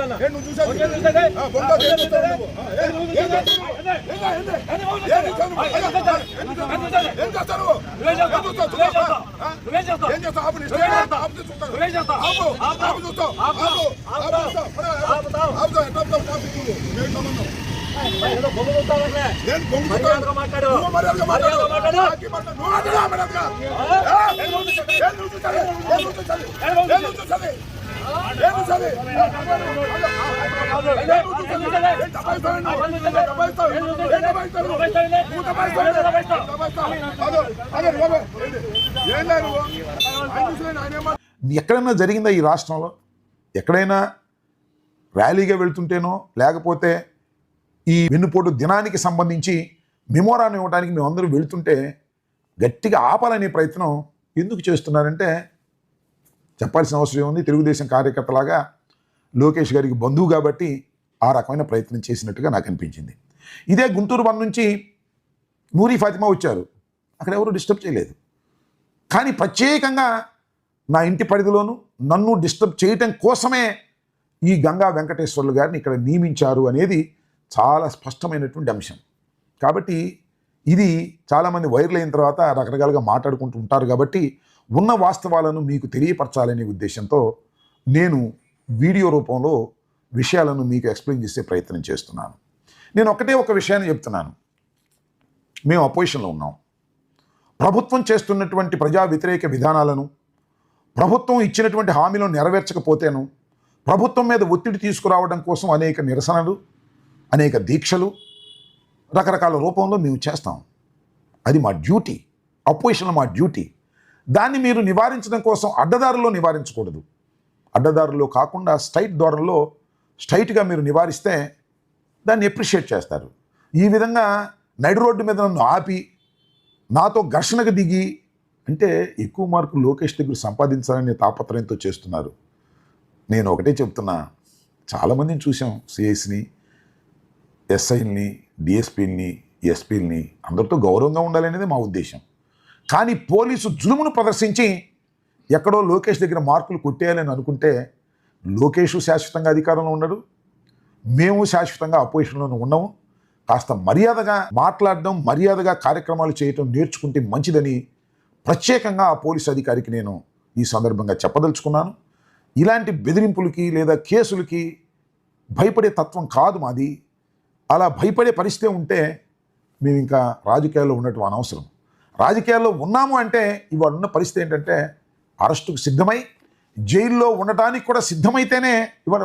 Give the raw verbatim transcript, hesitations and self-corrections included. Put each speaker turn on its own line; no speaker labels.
ఎక్కడైనా జరిగిందా ఈ రాష్ట్రంలో? ఎక్కడైనా ర్యాలీగా వెళ్తుంటేనో లేకపోతే ఈ వెన్నుపోటు దినానికి సంబంధించి మెమోరాన్ని ఇవ్వడానికి మేమందరూ వెళుతుంటే గట్టిగా ఆపాలనే ప్రయత్నం ఎందుకు చేస్తున్నారంటే చెప్పాల్సిన అవసరం ఉంది. తెలుగుదేశం కార్యకర్తలాగా లోకేష్ గారికి బంధువు కాబట్టి ఆ రకమైన ప్రయత్నం చేసినట్టుగా నాకు అనిపించింది. ఇదే గుంటూరు వన్ నుంచి నూరి ఫాతిమా వచ్చారు, అక్కడ ఎవరు డిస్టర్బ్ చేయలేదు. కానీ ప్రత్యేకంగా నా ఇంటి పరిధిలోనూ నన్ను డిస్టర్బ్ చేయటం కోసమే ఈ గంగా వెంకటేశ్వర్లు గారిని ఇక్కడ నియమించారు అనేది చాలా స్పష్టమైనటువంటి అంశం. కాబట్టి ఇది చాలామంది వైరల్ అయిన తర్వాత రకరకాలుగా మాట్లాడుకుంటూ ఉంటారు. కాబట్టి ఉన్న వాస్తవాలను మీకు తెలియపరచాలనే ఉద్దేశంతో నేను వీడియో రూపంలో విషయాలను మీకు ఎక్స్ప్లెయిన్ చేసే ప్రయత్నం చేస్తున్నాను. నేను ఒకటే ఒక విషయాన్ని చెప్తున్నాను. మేము అపోజిషన్లో ఉన్నాం. ప్రభుత్వం చేస్తున్నటువంటి ప్రజా వ్యతిరేక విధానాలను, ప్రభుత్వం ఇచ్చినటువంటి హామీలను నెరవేర్చకపోతేను ప్రభుత్వం మీద ఒత్తిడి తీసుకురావడం కోసం అనేక నిరసనలు, అనేక దీక్షలు రకరకాల రూపంలో మేము చేస్తాం. అది మా డ్యూటీ, అపోజిషన్లో మా డ్యూటీ. దాన్ని మీరు నివారించడం కోసం అడ్డదారుల్లో నివారించకూడదు. అడ్డదారుల్లో కాకుండా స్ట్రైట్ ధోరణిలో స్ట్రైట్గా మీరు నివారిస్తే దాన్ని అప్రిషియేట్ చేస్తారు. ఈ విధంగా నడి రోడ్డు మీద నన్ను ఆపి నాతో ఘర్షణకు దిగి అంటే ఎక్కువ మార్కులు లోకేష్ దగ్గర సంపాదించాలనే తాపత్రయంతో చేస్తున్నారు. నేను ఒకటే చెప్తున్నా, చాలామందిని చూసాం, సిఐస్ని, ఎస్ఐల్ని, డిఎస్పీల్ని, ఎస్పీల్ని, అందరితో గౌరవంగా ఉండాలనేది మా ఉద్దేశం. కానీ పోలీసు జులుమును ప్రదర్శించి ఎక్కడో లోకేష్ దగ్గర మార్కులు కొట్టేయాలని అనుకుంటే లోకేష్ శాశ్వతంగా అధికారంలో ఉండడు, మేము శాశ్వతంగా అపోజిషన్లోనే ఉన్నాము. కాస్త మర్యాదగా మాట్లాడడం, మర్యాదగా కార్యక్రమాలు చేయటం నేర్చుకుంటే మంచిదని ప్రత్యేకంగా ఆ పోలీసు అధికారికి నేను ఈ సందర్భంగా చెప్పదలుచుకున్నాను. ఇలాంటి బెదిరింపులకి లేదా కేసులకి భయపడే తత్వం కాదు మాది. అలా భయపడే పరిస్థితి ఉంటే మేము ఇంకా రాజకీయాల్లో ఉండటం అనవసరం. రాజకీయాల్లో ఉన్నాము అంటే ఇవాళ ఉన్న పరిస్థితి ఏంటంటే అరెస్టుకు సిద్ధమై జైల్లో ఉండటానికి కూడా సిద్ధమైతేనే ఇవాళ